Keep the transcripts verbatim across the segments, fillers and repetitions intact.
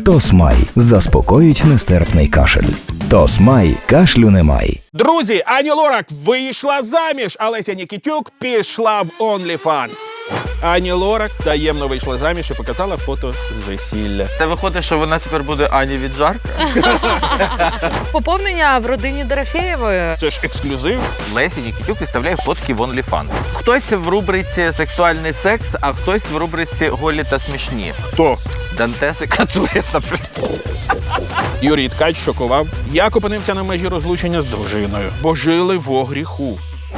Тосмай заспокоїть нестерпний кашель. Тосмай, кашлю немає. Друзі, Ані Лорак вийшла заміж, а Леся Нікітюк пішла в OnlyFans. Ані Лорак таємно вийшла заміж і показала фото з весілля. Це виходить, що вона тепер буде Ані Віджарка? Поповнення в родині Дорофєєвої. Це ж ексклюзив. Лесі Нікітюк виставляє фотки в OnlyFans. Хтось в рубриці «Сексуальний секс», а хтось в рубриці «Голі та смішні». Хто? Дантеси Кацує, наприклад. Юрій Ткач шокував. Як опинився на межі розлучення з дружиною, бо жили во гріху.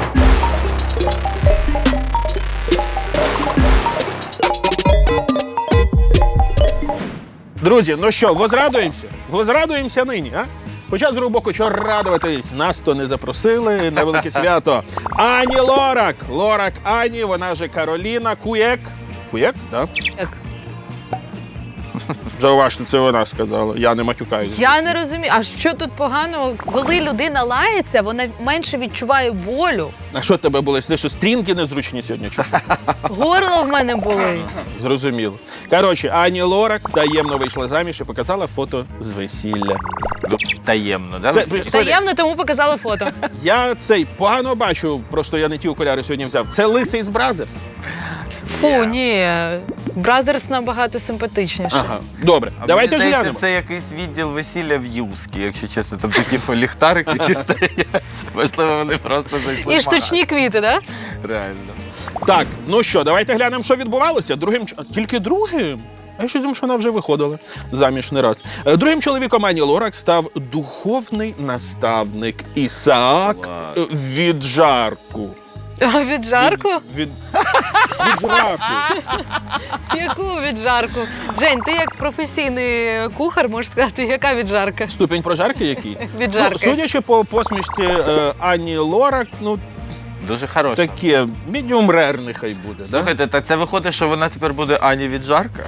Друзі, ну що, возрадуємося? Возрадуємося нині, а? Хоча, з другого боку, чого радуватись? Нас то не запросили на велике свято. Ані Лорак! Лорак Ані, вона же Кароліна Куєк. Куєк, так? Да? Зауважте, це вона сказала. Я не матюкаюся. Я не розумію, а що тут поганого? Коли людина лається, вона менше відчуває болю. А що тебе були? Ти що, стрінки незручні сьогодні? Чи що? Горло в мене болить. Зрозуміло. Коротше, Ані Лорак таємно вийшла заміж і показала фото з весілля. Таємно, да? Це, Таємно, тому показала фото. я цей погано бачу, просто я не ті окуляри сьогодні взяв. Це лисий з Бразерс. Фу, ні. Бразерс набагато симпатичніше. Ага, добре. А Давайте мені ж здається, глянемо. це якийсь відділ весілля в Юскі, якщо чесно. Там такі ліхтарики ті стоять. Можливо, вони просто зайшли. І в штучні квіти, так? магаз. Реально. Так, ну що, давайте глянемо, що відбувалося. Другим... ч- Тільки другим? А я щось думаю, що вона вже виходила заміж не раз. Е, Другим чоловіком Ані Лорак став духовний наставник Ісаак Клас. Віджарку. А від жарку? Від... Віджраку. Яку від жарку? Жень, ти як професійний кухар можеш сказати, яка від жарка? Ступінь прожарки який? Від Ну, жарки. судячи по посмішці е, Ані Лорак, ну, Дуже хороша. таке, медіум рер нехай буде. Да? Слухайте, так це виходить, що вона тепер буде Ані Віджарка?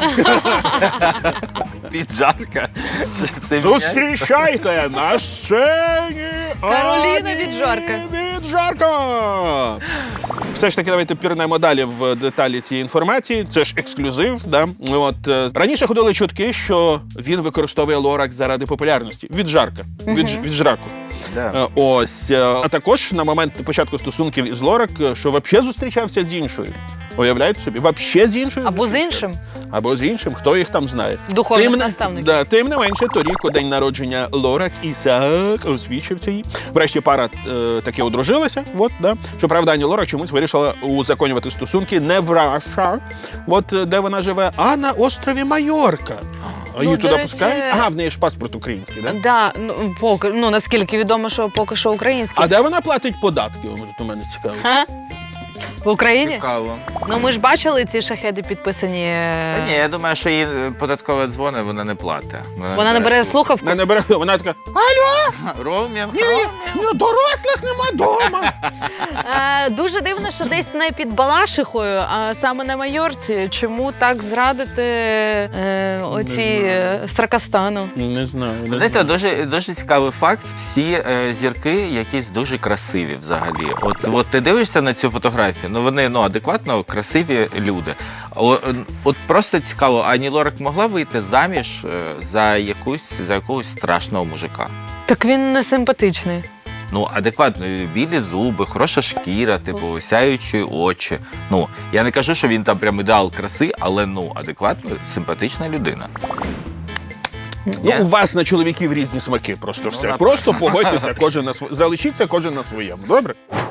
Віджарка? Що все міняється? Зустрічайте на сцені Кароліна Ані Віджарка. Віджарка! Все ж таки, давайте пірнемо далі в деталі цієї інформації. Це ж ексклюзив. Да? От, е, раніше ходили чутки, що він використовує Лорак заради популярності. Віджарка. Від, віджраку. Да. Е, Ось. е, А також на момент початку стосунків із Лорак, е, що взагалі зустрічався з іншою. Уявляєте собі? Взагалі з іншою Або з зустрічався. іншим. Або з іншим, хто їх там знає. Духовних Тим не- наставників. Да, тим не менше, торік у день народження Лорак Ісаак освічився їй. Врешті пара е, таки одружилася. От, да. Щоправда, Ані Лорак чомусь вирішила узаконювати стосунки не в Раша, от, е, де вона живе, а на острові Майорка. А її Ну, туди до речі- пускають? Ага, в неї ж паспорт український, да? Да, ну, поки, ну, наскільки відомо, що поки що український. А де вона платить податки? От у мене цікаво. А? В Україні? Цікаво. Ну, ми ж бачили ці шахеди підписані. Та ні, я думаю, що їй податкове дзвони, вона не платить. Вона не бере слухавку. Вона не бере, вона така, алло, Роумінг, ні, роумінг. ну, дорослих нема дома. Е, дуже дивно, що десь не під Балашихою, а саме на Майорці. Чому так зрадити е, оці е, Сракастану? Не знаю. Не Знаєте, знаю. дуже, дуже цікавий факт. Всі е, зірки якісь дуже красиві взагалі. От, от ти дивишся на цю фотографію, ну вони ну, адекватно красиві люди. О, е, от просто цікаво, Ані Лорак могла вийти заміж е, за, якусь, за якогось страшного мужика? Так він не симпатичний. Ну, адекватно, білі зуби, хороша шкіра, типу, сяючі очі. Ну, я не кажу, що він там прям ідеал краси, але ну, адекватно, симпатична людина. Ну, у вас на чоловіків різні смаки, просто все. Просто погодьтеся, кожен на св... залишіться кожен на своєму. Добре?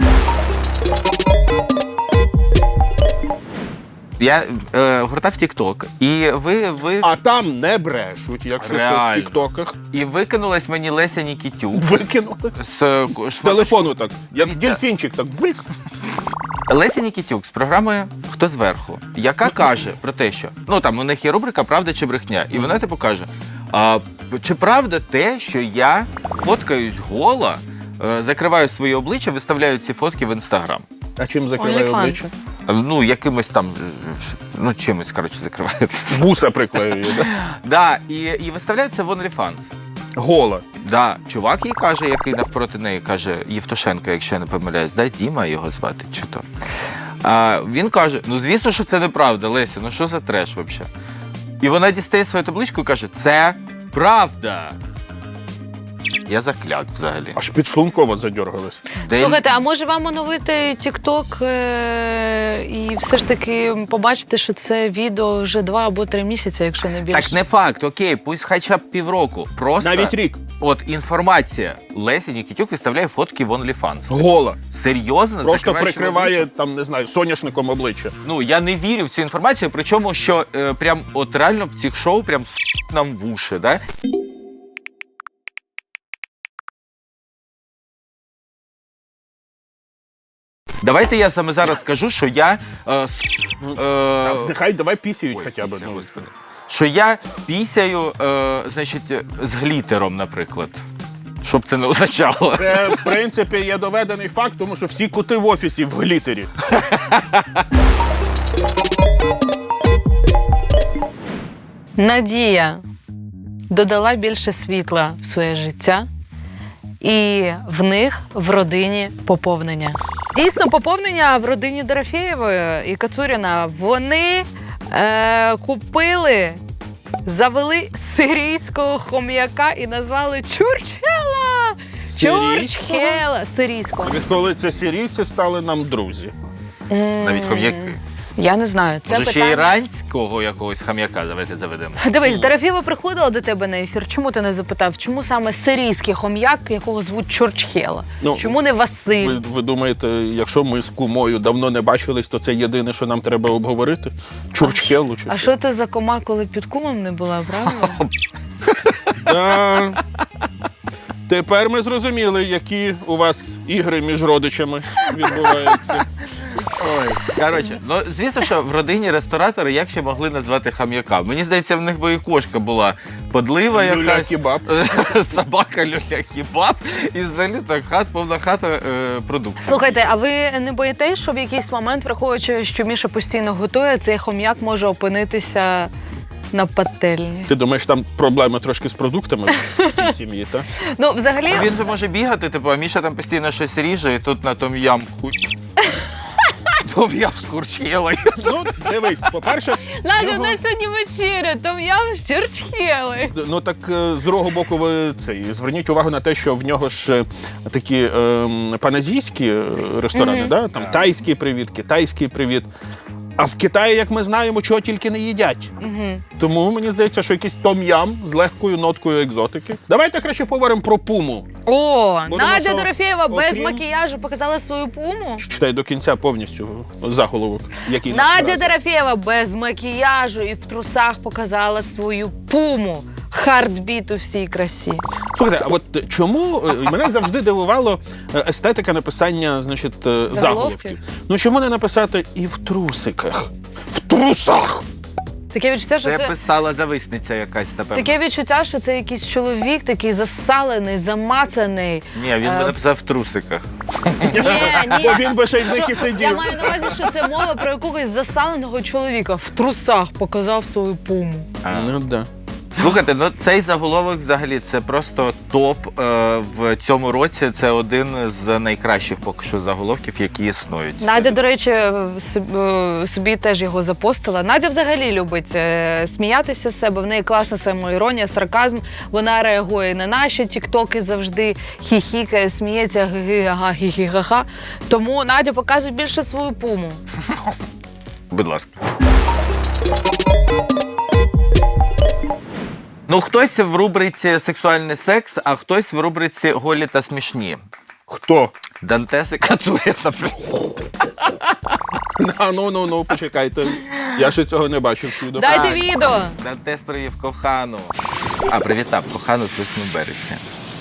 Я е, гортав TikTok, і ви, ви А там не брешуть, якщо що в Реально. тіктоках. і викинулась мені Леся Нікітюк Викинули. з, е, З телефону так, як дельфінчик, так брик. Леся Нікітюк з програмою «Хто зверху», яка каже про те, що ну там у них є рубрика «Правда чи брехня», і вона типу каже: а, чи правда те, що я фоткаюсь гола, е, закриваю своє обличчя, виставляю ці фотки в інстаграм? А чим закриває OnlyFans. обличчя? Ну, якимось там, ну, чимось, коротше, закриває. Вуса приклеює, да? Да, і, і виставляють це в OnlyFans. Гола. Да, чувак їй каже, який навпроти неї, каже, Євтушенко, якщо я не помиляюсь, да, Діма його звати, чи то. А, він каже, ну, звісно, що це неправда, Леся, ну що за треш взагалі? І вона дістає свою табличку і каже, це правда. Я закляк взагалі. Аж підшлунково задьоргалась. Де... Слухайте, а може вам оновити TikTok е- і все ж таки побачити, що це відео вже два або три місяці, якщо не більше? Так не факт, окей, пусть хоча б півроку. Просто Навіть рік. От інформація. Леся Нікітюк виставляє фотки в OnlyFans. Гола. Серйозно? Просто Закриваючи прикриває, обличчя? там, не знаю, соняшником обличчя. Ну, я не вірю в цю інформацію, причому, що е, прям от реально в цих шоу прям с*** нам в уші, да? Давайте я саме зараз скажу, що я... Е, с*** е, Нехай давай пісяють ой, хоча б. пісня, ну. господи. Що я пісяю, е, значить, з глітером, наприклад. Щоб це не означало. Це, в принципі, є доведений факт, тому що всі кути в офісі в глітері. Надія додала більше світла в своє життя, і в них в родині поповнення. Дійсно, поповнення в родині Дорофєєвої і Кацуріна. Вони е, купили, завели сирійського хом'яка і назвали Чурчхела. Чурчхела. Сирійського. Відколи це сирійці стали нам друзі. Навіть хом'яки. Я не знаю. Це Може, ще питання... іранського якогось хам'яка давайте заведемо. Дивись, Дорофєєва приходила до тебе на ефір. Чому ти не запитав, чому саме сирійський хом'як, якого звуть Чурчхела? Ну, Чому не Василь? Ви, ви думаєте, якщо ми з кумою давно не бачились, то це єдине, що нам треба обговорити? Чурчхелу чи А що ти за кома, коли під кумом не була, правильно? Да. Тепер ми зрозуміли, які у вас ігри між родичами відбуваються. Ой, коротше, ну звісно, що в родині ресторатори як ще могли назвати хам'яка? Мені здається, в них би і кошка була подлива якась. Люля-кебаб. Собака люля-кебаб. І взагалі так хат, повна хата е, продуктів. Слухайте, а ви не боїтесь, що в якийсь момент, враховуючи, що Міша постійно готує, цей хом'як може опинитися на пательні? Ти думаєш, там проблеми трошки з продуктами в цій сім'ї, так? Ну, взагалі, Він же може бігати, типу, а Міша там постійно щось ріже, і тут на том ям хуй. Том ям з Чурчхелою. Ну, дивись, по-перше, Надя, його- у нас сьогодні вечеря, там я з Чурчхели. ну так е, з другого боку ви цей, зверніть увагу на те, що в нього ж е, такі е, паназійські е, ресторани, Мгм. да? Там тайський привіт, китайський привіт. А в Китаї, як ми знаємо, чого тільки не їдять. Угу. Тому мені здається, що якийсь том-ям з легкою ноткою екзотики. Давайте краще поговоримо про пуму. О, Бо Надя тому що, Дорофєєва без окрім- макіяжу показала свою пуму. Читай до кінця повністю заголовок, який нас Надя вразив. Дорофєєва без макіяжу і в трусах показала свою пуму. Хардбіт у всій красі. Слухайте, а от чому е, мене завжди дивувало е, естетика написання, значить, е, заголовків. Ну чому не написати і в трусиках? В трусах! Таке відчуття, що Це це... писала зависниця якась, напевно. Таке відчуття, що це якийсь чоловік такий засалений, замацаний. Ні, він Е, би написав в трусиках. Ні, ні. Бо він би ще й в них і Що- сидів. Я маю на увазі, що це мова про якогось засаленого чоловіка в трусах показав свою пуму. Ну да. Слухайте, ну цей заголовок взагалі це просто топ е, в цьому році. Це один з найкращих поки що заголовків, які існують. Надя, до речі, соб- е, собі теж його запостила. Надя взагалі любить е, сміятися з себе. В неї класна самоіронія, сарказм. Вона реагує на наші тіктоки завжди, хіхікає, сміється, ги-ги, ага, хі-хі, ха-ха. Тому Надя показує більше свою пуму. Будь ласка. Ну, хтось в рубриці «Сексуальний секс», а хтось в рубриці «Голі та смішні». Хто? Дантес і Кацуріна. А, ну, ну, ну, почекайте. Я ще цього не бачив чудо. Дайте Так. відео! Дантес привів кохану. А, привітав кохану з восьмим березня.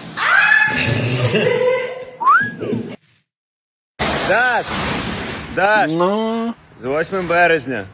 Даш! Даш! Ну, З восьмим березня.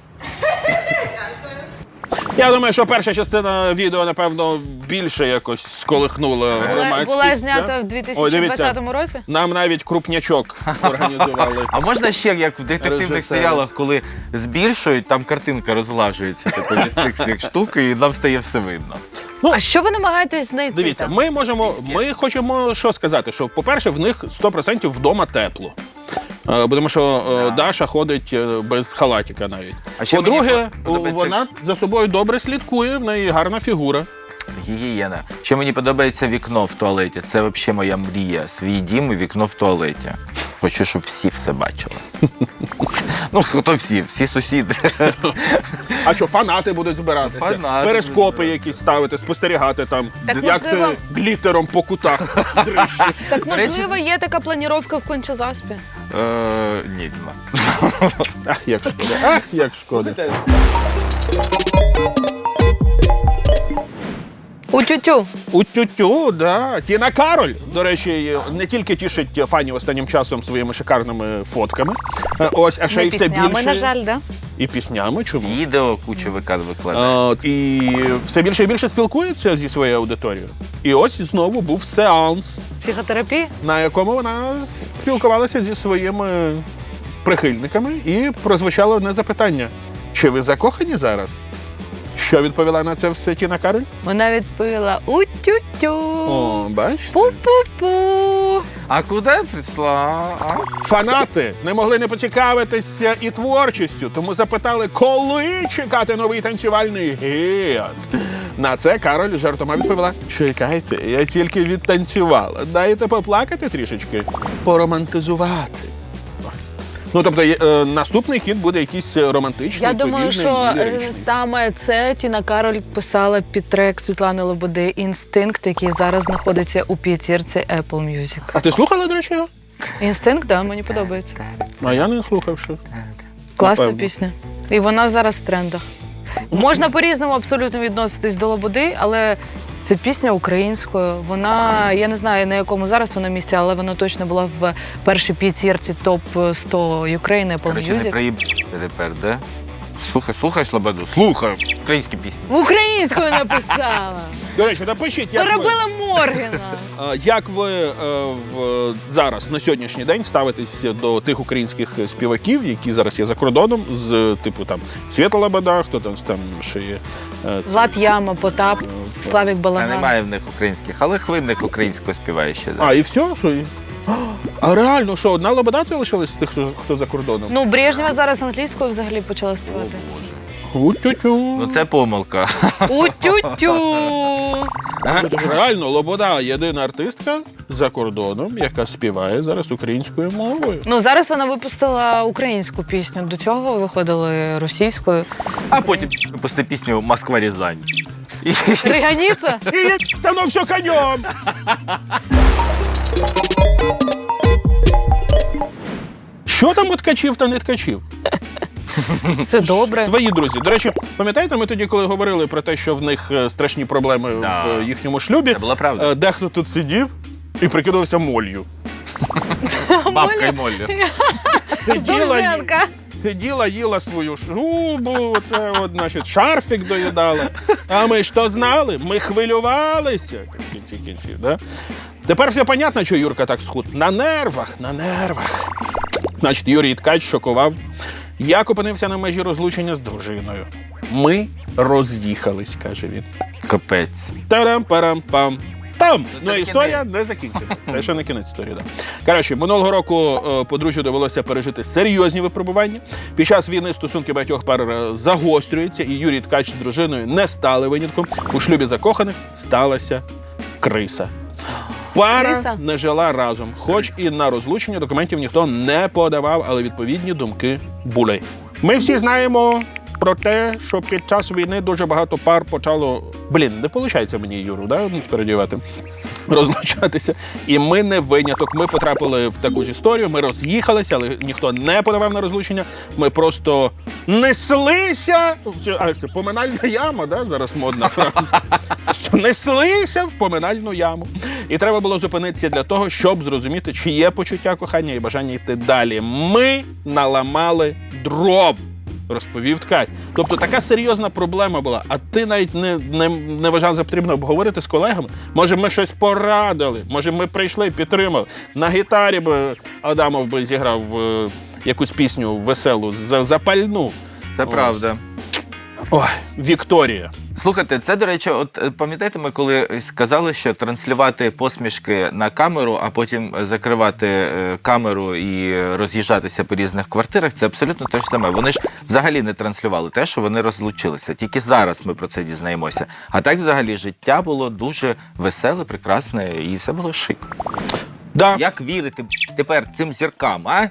я думаю, що перша частина відео, напевно, більше якось сколихнула Була, громадськість. була знята да? в дві Ой, тисячі дивіться. двадцятому році. Нам навіть крупнячок організували. А можна ще, як в детективних Режисер. серіалах, коли збільшують, там картинка розглажується типу, від цих всіх штук, і нам стає все видно. А що ви намагаєтесь знайти? Дивіться, там? ми можемо, ми хочемо що сказати, що, по-перше, в них сто відсотків вдома тепло. Е, Тому що е, Даша ходить е, без халатика навіть. А ще По-друге, мені подобається- вона за собою добре слідкує, в неї гарна фігура. Гігієна. Ще мені подобається вікно в туалеті. Це взагалі моя мрія. Свій дім і вікно в туалеті. Хочу, щоб всі все бачили. Ну, хто всі? Всі сусіди. А що, фанати будуть збиратися? Фанати Перископи будуть якісь ставити, спостерігати там, Так, як можливо- ти глітером по кутах дрищиш. Так, До речі- можливо, є така планіровка в Кончазаспі? Е, Ні, нема. Ах, як шкода, ах, як шкода. У тютю. У тютю, да. Тіна Кароль, до речі, не тільки тішить фанів останнім часом своїми шикарними фотками, е, ось, а ще Не й все піснями, більше. на жаль, да? І піснями, чому? Відео куча викад викладає. От, і все більше і більше спілкується зі своєю аудиторією. І ось знову був сеанс, Психотерапія? на якому вона спілкувалася зі своїми прихильниками і прозвучало одне запитання. Чи ви закохані зараз? Що відповіла на це все Тіна Кароль? Вона відповіла у тютю. О, бачите? Пу-пу-пу. А куди прийшла? А? Фанати не могли не поцікавитися і творчістю, тому запитали, коли чекати новий танцювальний гід. На це Кароль жартома відповіла: чекайте, я тільки відтанцювала. Дайте поплакати трішечки, поромантизувати. Ну, тобто, е, наступний хід буде якийсь романтичний, Я думаю, повільний що і е, ліричний. саме це Тіна Кароль писала під трек Світлани Лободи «Інстинкт», який зараз знаходиться у п'ятірці Apple Music. А ти слухала, до речі, його? «Інстинкт», да, мені подобається. А я не слухав, що. Класна Напевно. пісня. І вона зараз в трендах. Можна по-різному абсолютно відноситись до Лободи, але це пісня українською. Вона, я не знаю, на якому зараз вона місці, але вона точно була в першій п'ятірці топ сто України Apple Короче, не Music. приїб тепер, да? Слухай, слухай Слободу, слухай українські пісні. Українською написала. До речі, напишіть, як ви, Перебила Моргена. е, як ви е, в, зараз, на сьогоднішній день, ставитесь до тих українських співаків, які зараз є за кордоном, з типу там Свята Лобода, хто там, там ще є. е, це- Влад Яма, Потап, Славік Та Балаган. немає в них українських, але хвильник українського співає ще. Да. А, і все? Що? і- А реально, що, одна Лобода це лишилась з тих, хто, хто за кордоном? Ну, Брежнєва зараз англійською взагалі почала співати. У-тю-тю. Ну це помилка. У тютю. Ну, тож реально, Лобода єдина артистка за кордоном, яка співає зараз українською мовою. Ну, зараз вона випустила українську пісню. До цього виходили російською. А потім пусти пісню Москва Рязань. І Риганіця? І та ну все конем! Що там у ткачів та не ткачів? Все добре. Твої друзі. До речі, пам'ятаєте, ми тоді, коли говорили про те, що в них е, страшні проблеми Да. в їхньому шлюбі, Це була правда. е, дехто тут сидів і прикидався моллю. бабка й Моллі. Сиділа, Довженка. сиділа, їла свою шубу, це от, значить, шарфік доїдала. А ми ж то знали, ми хвилювалися в кінці кінців. Да? Тепер все понятно, що Юрка так схуд. На нервах, на нервах. Значить, Юрій Ткач шокував. Як опинився на межі розлучення з дружиною. Ми роз'їхались, каже він. Капець. Тарам-парам-пам. Там! Це Ну, не історія не закінчена. Це ще не кінець історії, так. Да. Коротше, минулого року е, подружжю довелося пережити серйозні випробування. Під час війни стосунки багатьох пар е, загострюються, і Юрій Ткач з дружиною не стали винятком. У шлюбі закоханих сталася криса. Пара Криса? не жила разом, хоч і на розлучення документів ніхто не подавав, але відповідні думки були. Ми всі знаємо про те, що під час війни дуже багато пар почало... Блін, не виходить мені Юру, да, передівати, розлучатися. І ми не виняток. Ми потрапили в таку ж історію, ми роз'їхалися, але ніхто не подавав на розлучення. Ми просто неслися... А, це поминальна яма, да? Зараз модна фраза. Неслися в поминальну яму. І треба було зупинитися для того, щоб зрозуміти, чи є почуття кохання і бажання йти далі. Ми наламали дров, розповів Ткач. Тобто така серйозна проблема була, а ти навіть не, не, не вважав за потрібно обговорити з колегами? Може, ми щось порадили? Може, ми прийшли, підтримали? На гітарі б Адамов би зіграв е, якусь пісню веселу, за- запальну. Це Ось. правда. Ой, Вікторія. Слухайте, це, до речі, от е, пам'ятаєте, ми коли сказали, що транслювати посмішки на камеру, а потім закривати е, камеру і роз'їжджатися по різних квартирах, це абсолютно те ж саме. Вони ж взагалі не транслювали те, що вони розлучилися. Тільки зараз ми про це дізнаємося. А так взагалі життя було дуже веселе, прекрасне і все було шик. Да. Як вірити тепер цим зіркам, а?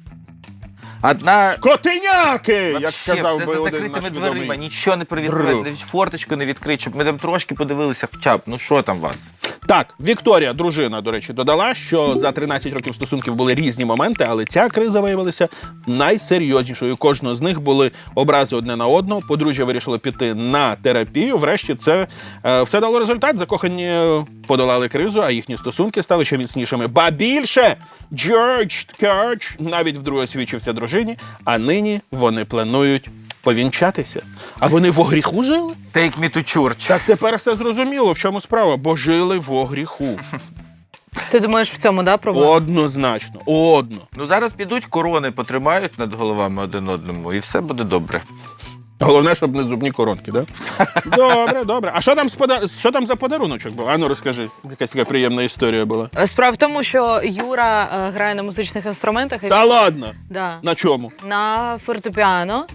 Одна... Котиняки, як Вообще, сказав все би за один закритими наш дверима, відомий. нічого не привідкрити, форточку не відкрити, щоб ми там трошки подивилися хоча б. Ну що там у вас? Так, Вікторія, дружина, до речі, додала, що за тринадцять років стосунків були різні моменти, але ця криза виявилася найсерйознішою. Кожного з них були образи одне на одного. Подружжя вирішило піти на терапію. Врешті це е, все дало результат. Закохані подолали кризу, а їхні стосунки стали ще міцнішими. Ба більше! Джордж Ткач навіть вдруге освічився дружині, а нині вони планують повінчатися. А вони в огріху жили? Take me to church. Так тепер все зрозуміло, в чому справа, бо жили в огріху. Ти думаєш, в цьому, да, проблема? Однозначно, одно. Ну зараз підуть, корони потримають над головами один одному, і все буде добре. Головне, щоб не зубні коронки, да? Добре, добре. А що там, з пода... що там за подаруночок був? Ану, розкажи. Якась така приємна історія була. Справа в тому, що Юра е, грає на музичних інструментах. І Та ладно? Да. На чому? На фортепіано,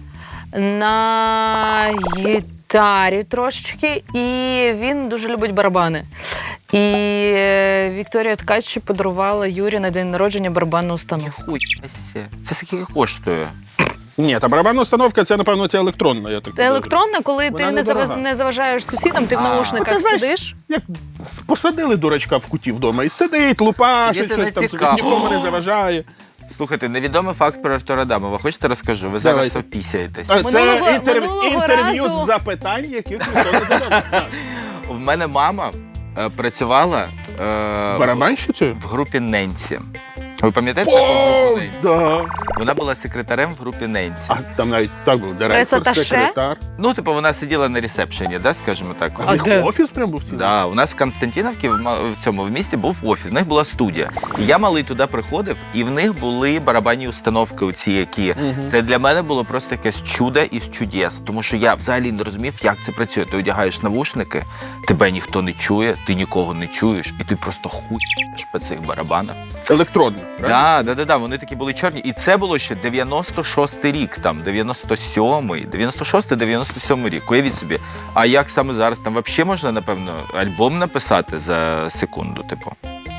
на гітарі трошечки, і він дуже любить барабани. І е, Вікторія Ткач подарувала Юрі на день народження барабанну установку. Хуй, Ася, це скільки коштує? Ні, та барабанна установка, це, напевно, це електронна, я так Це підозрюю. електронна, коли Вона ти не, недорога. заваж... не заважаєш сусідам, ти в А. наушниках Оце, знаєш, сидиш. Як посадили дурачка в куті вдома і сидить, лупашить, Мені це щось не там, цікаво. нікому не заважає. Слухайте, невідомий факт про Артура Адамова. Хочете розкажу? Ви зараз Давайте. опісяєтесь. А, Це Минулого- інтерв... минулого інтерв'ю разу- з запитань, яких ніхто не задав. В мене мама е, працювала е, Барабанщицею? в групі Ненсі. Ви пам'ятаєте таку групу О, Ненсі? да. Вона була секретарем в групі Ненсі. А там навіть так було, директор, Прес-атташе? секретар. Ну, типу, вона сиділа на ресепшені, да, скажімо так. А в них де? офіс прям був цілий? Да, у нас в Константиновці в ма- в цьому в місті був офіс. В них була студія. І я малий туди приходив, і в них були барабанні установки, оці, які це для мене було просто якесь чудо із чудес. Тому що я взагалі не розумів, як це працює. Ти одягаєш навушники, тебе ніхто не чує, ти нікого не чуєш, і ти просто хуєш по цих барабанах. Електронно, правильно? Да, да, да, да, вони такі були чорні. І це було ще дев'яносто шостий рік, там, дев'яносто сьомий, дев'яносто шостий, дев'яносто сьомий рік. Уявіть собі. А як саме зараз? Там взагалі можна, напевно, альбом написати за секунду, типу.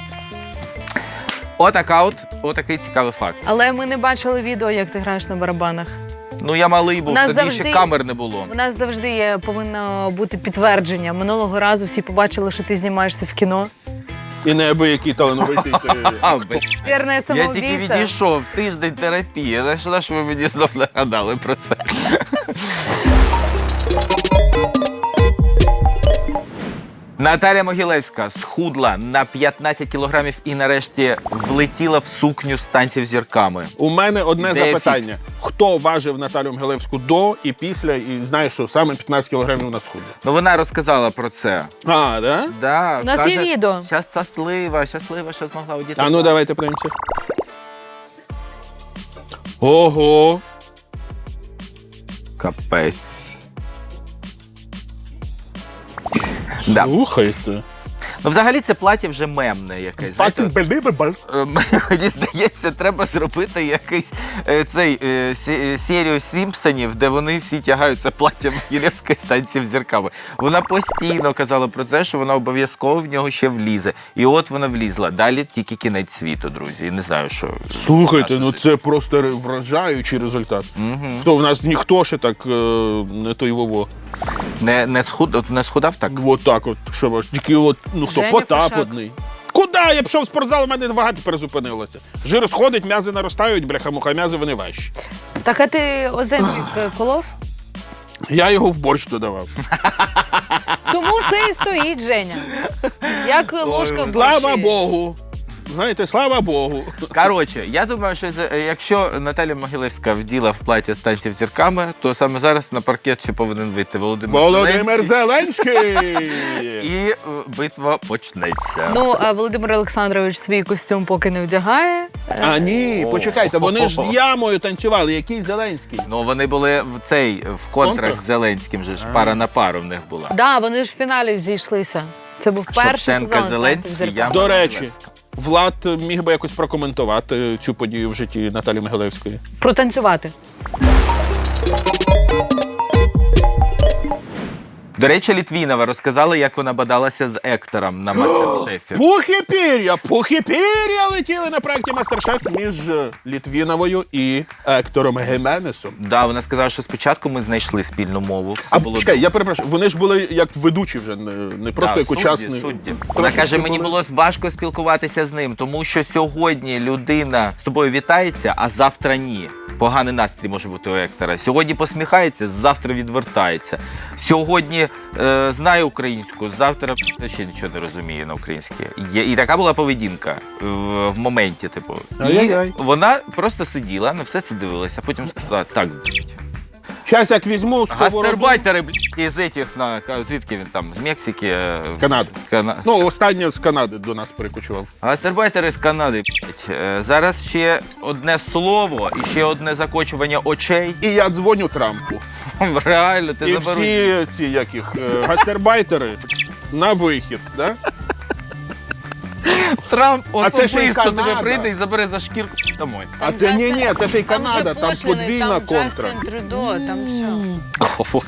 Отака от, отакий цікавий факт. Але ми не бачили відео, як ти граєш на барабанах. Ну, я малий був, У нас тоді завжди- ще камер не було. У нас завжди є, повинно бути підтвердження. Минулого разу всі побачили, що ти знімаєшся в кіно. І неабиякий талановитий. ти- А, блін. Вірне Я тільки самоубійця. відійшов, тиждень терапії. На що ви мені знов нагадали про це? Наталя Могилевська схудла на п'ятнадцять кілограмів і нарешті влетіла в сукню з танців зірками. У мене одне Де запитання. фікс? Хто важив Наталю Могилевську до і після, і знає, що саме п'ятнадцять кілограмів на схуді? Ну вона розказала про це. А, да? Да, У нас є відео. Щас щаслива, щаслива, що змогла одіти. А ну давайте подивимося. Ого! Капець. Да. Слухайте. Ну, взагалі, це плаття вже мемне якесь. знаєте. Fucking believable. Е, Мені здається, треба зробити якийсь е, цей е, сі- е, серію Сімпсонів, де вони всі тягаються платтям Могилевської з танців зірками. Вона постійно казала про це, що вона обов'язково в нього ще влізе. І от вона влізла. Далі тільки кінець світу, друзі. І не знаю, що. Слухайте, наше ну життя. це просто ре- вражаючий результат. Хто в нас ніхто ще так е, не той вово. Не, не, схуд, от не схудав так? От так от. Що, ж, тільки от, ну хто, Женя Потап Фишак. одний. Куди? Я пішов в спортзал, у мене вага тепер зупинилася. Жир сходить, м'язи наростають, бляха-муха, м'язи вони важчі. Так, а ти оземпік е, колов? Я його в борщ додавав. Тому все і стоїть, Женя. Як ложка в Слава борщі. Богу! знаєте, слава Богу. Коротше, я думаю, що за- якщо Наталя Могилевська вділа в платі з танців зірками, то саме зараз на паркет ще повинен вийти Володимир, Володимир Зеленський. Зеленський! І е, битва почнеться. Ну, а Володимир Олександрович свій костюм поки не вдягає. А ні, О. почекайте, вони ж з ямою танцювали. Який Зеленський? Ну, вони були в цей в контрах Контрах? з Зеленським, же ж пара на пару в них була. Да, вони ж в фіналі зійшлися. Це був перший Шевченка, сезон Зеленський, «Танців зірками». я- До речі, Могилевська. Влад міг би якось прокоментувати цю подію в житті Наталі Могилевської. Протанцювати. До речі, Літвінова розказала, як вона бадалася з Ектором на мастер-шефі. Пух і пір'я, пух і пір'я летіли на проєкті «Мастер-шеф» між Літвіновою і Ектором Гіменесом. Да, вона сказала, що спочатку ми знайшли спільну мову. Все А було чекай, добре. я перепрошую, вони ж були як ведучі вже, не, не просто Да, як судді, учасні. судді. Вона Трошечки каже, мені були- було важко спілкуватися з ним, тому що сьогодні людина з тобою вітається, а завтра ні. Поганий настрій може бути у Ектора. Сьогодні посміхається, завтра відвертається. Сьогодні е, знає українську, завтра ще нічого не розуміє на українській. Є, і така була поведінка в, в моменті. Типу. І Ай-яй-яй. вона просто сиділа, на все це дивилася, а потім сказала, так, Щас як візьму сковороду. гастарбайтери, блядь, із этих, на, звідки він там, з Мексики? е, З Канади. З Кана... Ну, останнє з Канади до нас перекочував. Гастарбайтери з Канади, блядь. Е, Зараз ще одне слово і ще одне закочування очей. І я дзвоню Трампу. Реально, ти І заберуть. всі ці яких е, гастербайтери на вихід, да? Трамп А це ще й особисто тебе Канада. прийде і забере за шкірку домой. А це ні, ні, це ще й Канада, там подвійна контра. Джастін Трюдо, там все. О, Боже.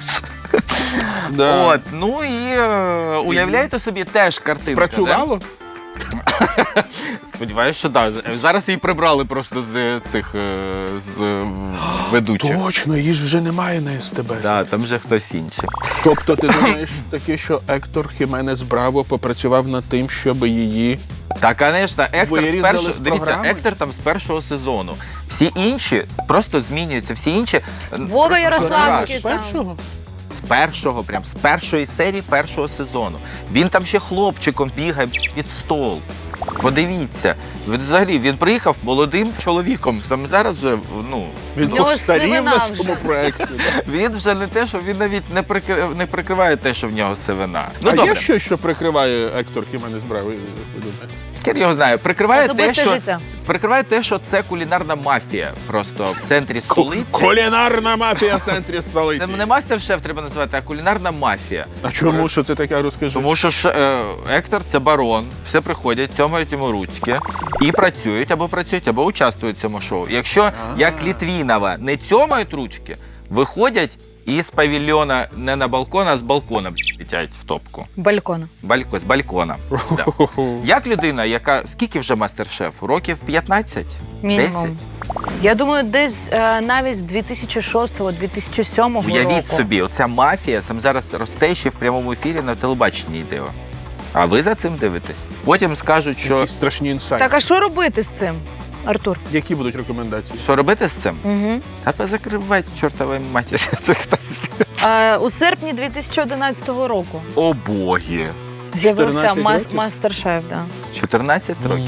Да. От, ну і е, уявляєте собі теж картинка. Працювало? Да? Сподіваюсь, що так. Да. Зараз її прибрали просто з цих е, з е, ведучих. Точно, її ж вже немає на СТБ. Да, там вже хтось інший. Тобто ти думаєш таки, що Ектор Хіменес Браво попрацював над тим, щоб її... Так, звісно, Ектор з Вирізали першого, з дивіться, програми? Ектор там з першого сезону. Всі інші просто змінюються. Всі інші е, Вова Ярославський З там. першого? з першого, прям з першої серії першого сезону. Він там ще хлопчиком бігає під стол. Подивіться, він взагалі він приїхав молодим чоловіком. Там зараз вже ну Він В нього постарів сивина на вже. цьому проєкті. да. він вже не те, що він навіть не прикриває, не прикриває те, що в нього сивина. Ну а добре, є щось, що прикриває Ектор Хіменес Браво, ви думаєте? хер його знає. Прикриває те, Особисте що життя. прикриває те, що це кулінарна мафія просто в центрі столиці. Кулінарна мафія в центрі столиці. Це не мастер-шеф треба називати, а кулінарна мафія. А чому, що це таке, розкажи? Тому що ж, е, Ектор це барон, все приходять, цьомають йому ручки і працюють або працюють, або участвують в цьому шоу. Якщо, як Літвінова, не цьомають ручки, виходять і з павільйона не на балкон, а з балкона летять в топку. Балькона. Балько, з балкона. Да. Як людина, яка скільки вже мастер-шефу? Років п'ятнадцять? Мінімум. десять? Я думаю, десь е, навіть з дві тисячі шостого - дві тисячі сьомого року. Уявіть собі, оця мафія сам зараз росте ще в прямому ефірі на телебаченні йде. А ви за цим дивитесь? Потім скажуть, що Якісь страшні інсайти. Так, а що робити з цим, Артур? Які будуть рекомендації? що робити з цим? Угу. Та позакривайте чортової матері. Це хтось. Е, у серпні дві тисячі одинадцятого року О боги. з'явився чотирнадцять мас- років? мастер-шеф. Да. чотирнадцять років.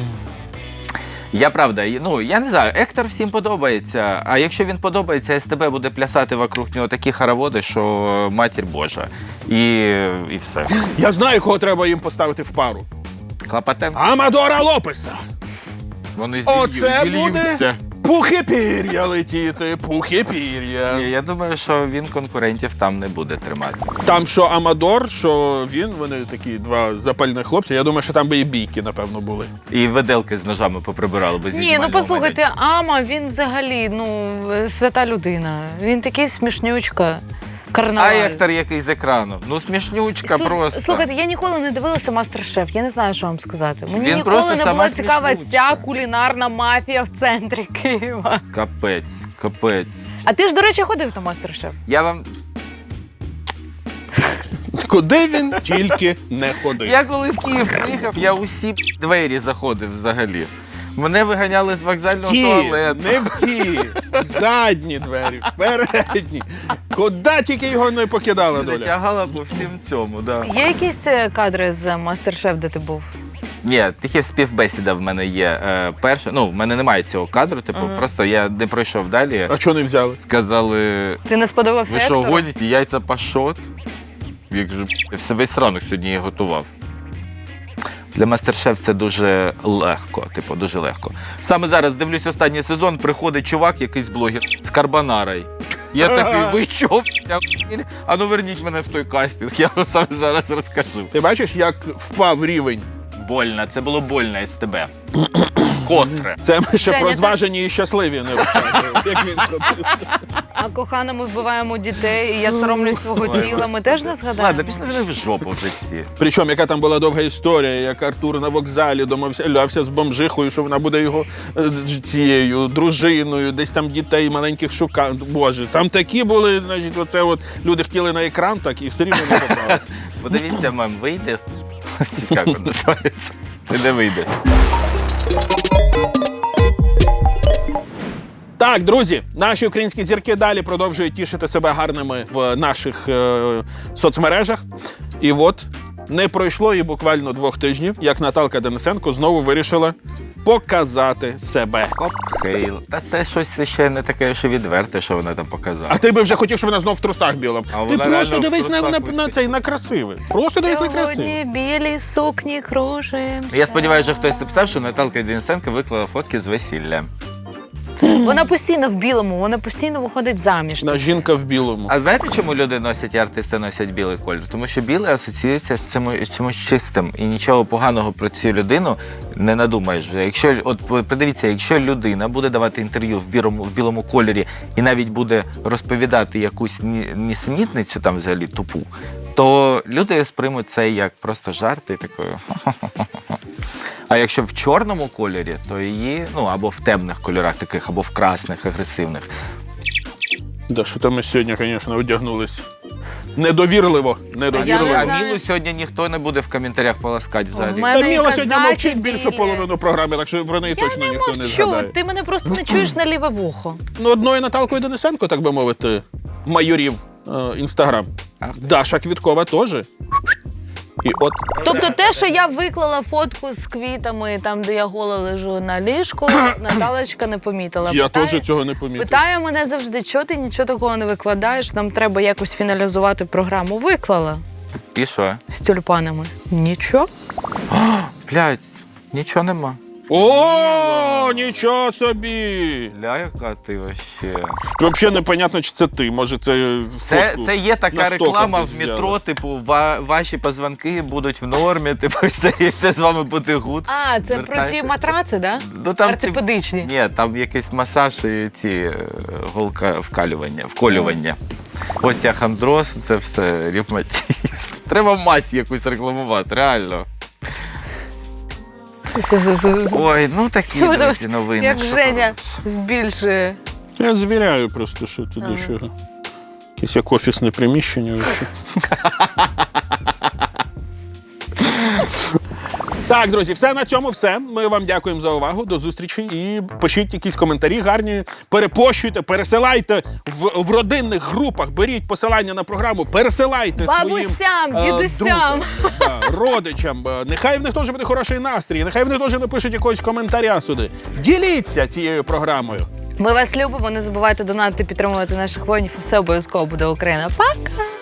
Я правда, ну я не знаю, Ектор всім подобається. А якщо він подобається, СТБ буде плясати вокруг нього такі хороводи, що матір Божа. І, і все. Я знаю, кого треба їм поставити в пару. Клопотенко. Амадора Лопеса. Вони Оце зілью- буде зільються. пухи пір'я летіти, пухи пір'я. Ні, я думаю, що він конкурентів там не буде тримати. Там що Амадор, що він, вони такі два запальних хлопці. Я думаю, що там би і бійки, напевно, були. І виделки з ножами поприбирали без Ні, ну послухайте, Ама, він взагалі ну свята людина. Він такий смішнючка. А Карнаваль. Ектор який з екрану. Ну смішнючка Слух- просто. Слухайте, я ніколи не дивилася мастер-шеф, я не знаю, що вам сказати. Мені Він ніколи просто не сама була цікава смішнючка. ця кулінарна мафія в центрі Києва. Капець, капець. А ти ж, до речі, ходив на мастер-шеф? Я вам. Куди він тільки не ходив. Я коли в Київ приїхав, я усі двері заходив взагалі. Мене виганяли з вокзального Ті, туалету. не в ті, в задні двері, в передні. Куди тільки його не покидала доля. Тягала по всім цьому, да. Є якісь е, кадри з мастер-шеф, де ти був? Ні, тільки співбесіда в мене є. Е, перша, ну, в мене немає цього кадру, типу, uh-huh. просто я не пройшов далі. А чого не взяли? Сказали, Ти не сподобався ви що, Ектору? гоніте, яйця пашот? Я кажу, я весь ранок сьогодні її готував. Для мастер-шеф це дуже легко, типу, дуже легко. Саме зараз дивлюсь останній сезон, приходить чувак, якийсь блогер з карбонарою. Я такий, ви що, бля, а ну верніть мене в той кастинг, я вам саме зараз розкажу. Ти бачиш, як впав рівень? Больно, це було больно із тебе. Котре. Це ми ще Женя, про так- зважені і щасливі не розказуємо, як він ходив. А кохана, ми вбиваємо дітей, і я соромлюсь свого тіла. Ми теж не згадаємо. Ладно, пішли вони в жопу вже ці. Причому, яка там була довга історія, як Артур на вокзалі домовся, лявся з бомжихою, що вона буде його е, цією дружиною, десь там дітей маленьких шукав. Боже, там такі були, значить, оце от люди хотіли на екран, так і все рівно не попали. Подивіться, мем, вийде. Цікаво називається. Ти не вийдеш. Так, друзі, наші українські зірки далі продовжують тішити себе гарними в наших е, соцмережах. І от не пройшло і буквально двох тижнів, як Наталка Денисенко знову вирішила показати себе. Коктейл. Та це щось ще не таке, що відверте, що вона там показала. А ти би вже хотів, щоб вона знов в трусах біла. А Ти вона просто реально в дивись на, трусах на, на висить. цей, на красивий. Просто дивись на красивий. Сьогодні білі сукні кружимся. Я сподіваюся, що хтось написав, що Наталка Денисенко виклала фотки з весілля. Вона постійно в білому, вона постійно виходить заміж. На жінка в білому. А знаєте, чому люди носять і артисти носять білий колір? Тому що білий асоціюється з цим з чимось чистим, і нічого поганого про цю людину не надумаєш. Якщо от подивіться, якщо людина буде давати інтерв'ю в білому в білому кольорі і навіть буде розповідати якусь ні- нісенітницю там взагалі тупу, то люди сприймуть це як просто жарт і такою. А якщо в чорному кольорі, то її, ну або в темних кольорах таких, або в красних, агресивних. Да, що там ми сьогодні, звісно, одягнулись. Недовірливо. Недовірливо. Я А не знаю. Мілу сьогодні ніхто не буде в коментарях поласкати взагалі. У мене Та Міла сьогодні казаки мовчить більшу білі. половину програми, так що про неї Я точно не ніхто не мовчу, згадає. ти мене просто не чуєш на ліве вухо. Ну, одною Наталкою Денисенко, так би мовити, майорів е, Інстаграм. Ах. Даша Квіткова теж. І от Тобто те, що я виклала фотку з квітами, там, де я гола лежу на ліжку, Наталочка не помітила. я Питає- теж цього не помітив. Питає мене завжди, чого ти нічого такого не викладаєш, нам треба якось фіналізувати програму. Виклала І що? з тюльпанами. Нічого. Блядь, нічого нема. О, нічого собі! Ля, яка ти вообще. Взагалі непонятно, чи це ти. Може, це Це, фотку це є на така стоках реклама десь в взяли. метро, типу, ва- ваші позвонки будуть в нормі, типу, все, і все з вами буде гуд. А, це про ці Звертайтеся. матраци, да? Ну, там ці- Ортопедичні. Ні, там якийсь масаж і ці е, голка вкалювання, вколювання. Остеохондроз, це все ревматизм. Треба мазь якусь рекламувати, реально. Ой, ну такі, друзі, новини. Як що Женя збільшує. Я звіряю просто, що тут до чого. Якесь як офісне приміщення. вообще. Так, друзі, все на цьому все. Ми вам дякуємо за увагу. До зустрічі. І пишіть якісь коментарі гарні. Перепощуйте, пересилайте в, в родинних групах. Беріть посилання на програму, пересилайте своїм Бабусям, е, дідусям. друзям, да, родичам. Е, Нехай в них теж буде хороший настрій. Нехай в них теж напишуть якогось коментаря сюди. Діліться цією програмою. Ми вас любимо, не забувайте донатити, підтримувати наших воїнів. Все обов'язково буде Україна. Пока!